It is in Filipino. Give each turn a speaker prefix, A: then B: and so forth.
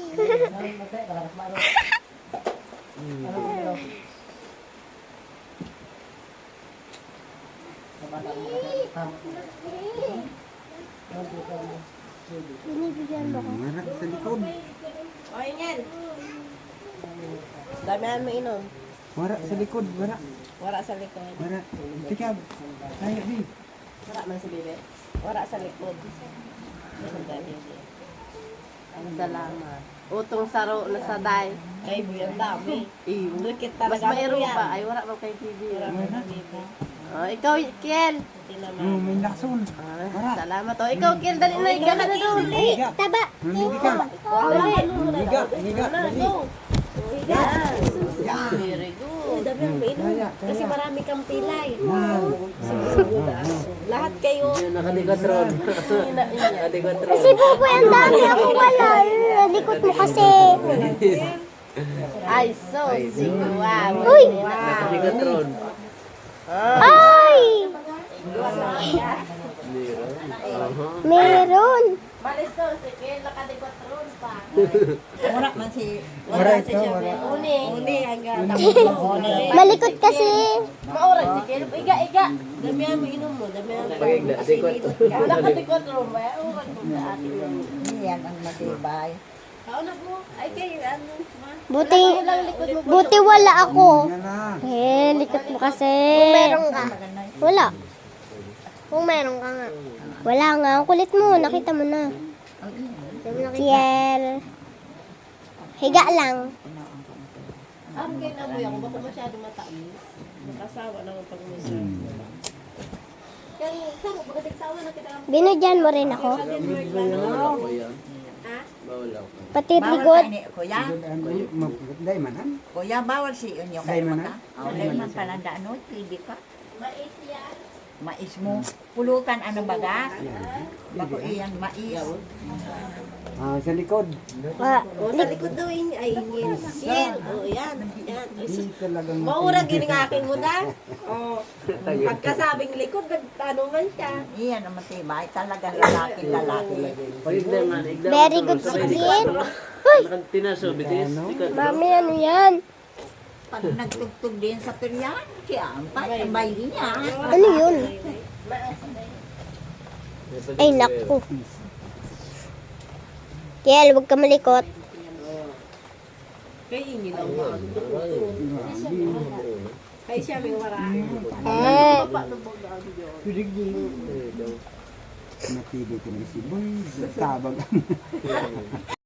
A: Binibigyan mo ko.
B: Marak sa likod.
C: O, yan. Damihan mo inom.
B: Marak sa likod. Marak.
C: Wara sa likod.
B: Marak. Tikab. Kaya di.
C: Wara man sa bibi. Wara sa likod. Ang salamat. Utong saro na sa day. Ay, buyan dami. Dukit
A: Mas
C: talaga
A: mayroon
C: yan.
A: pa. Ay, wala bang kay TV.
C: Wala man sa bibi.
A: Ikaw, Kiel.
B: May lakson. Marak.
A: Salamat. Ikaw, Kiel, dali na. Higa ka na doon.
B: Higa.
A: Taba.
B: Higa ka. Higa. Higa.
C: Higa. Very good. Dami ang mainom. Kasi marami kang pilay. Lahat kayo.
D: Nakadikotron. Nakadikotron.
A: Kasi Buboy, ang dami ako wala. Likot mo kasi.
C: Ay, so, wow.
A: Uy!
D: Nakadikotron.
A: Ay! Meron.
C: Malis to, sige, nakadikotron pa.
E: Wala man si
B: Ito. Marak.
C: Uni hanggang
A: Malikot kasi.
C: maoras, sige. Iga. Damihan mo inom mo, damihan mo.
D: Pagigda, dikot.
C: Wala ka dikotron ba? Uwan ko sa atin yung...
E: yan ang matibay.
C: Kaunap mo? Ay, kayo, ano?
A: Buti, buti wala ako.
B: Yan lang.
A: Likot mo kasi. Kung meron ka. Wala. Kung meron ka nga. Wala nga. Ang kulit mo. Nakita mo na. Kiel. Higa lang.
C: Ang ganyan mo yan, kung baka masyado matamis. Makasawa naman pag may serve. Kaya, saan mo, pagkatig tawa na kita lang.
A: Binudyan mo rin ako.
C: Ha?
A: Pati
E: Bawal
A: likod.
E: ka ni kuya.
B: Dahil manan.
E: Kuya, bawal si inyo
B: Dahil
E: kayo
B: man
E: mata. Dahil man pala ano, pwede ka.
C: Mais yan.
E: Mais mo. Pulutan ano baga? Bako iyan mais.
B: Sa likod.
C: O, sa likod daw yun. Ay, yan. Yan. O, yan. Yan.
B: Hindi talagang
C: Maurag yun ang aking muda. O, pagkasabing likod, nagtanungan siya.
E: Iyan ang matibay. Talagang lalaki.
D: Pagigda man.
A: Very good si Kiel. Uy!
D: Tinaso, bitis.
A: Mami, ano yan?
E: Pag nagtugtog din sa peryan, kaya ang patambay niya.
A: Ano yun? Ay, naku. Kiel, huwag ka malikot.
C: Kaya ingin lang ba? Kaya siya may wara.
B: Pilig din. Napili ko na si Boy. Tabag.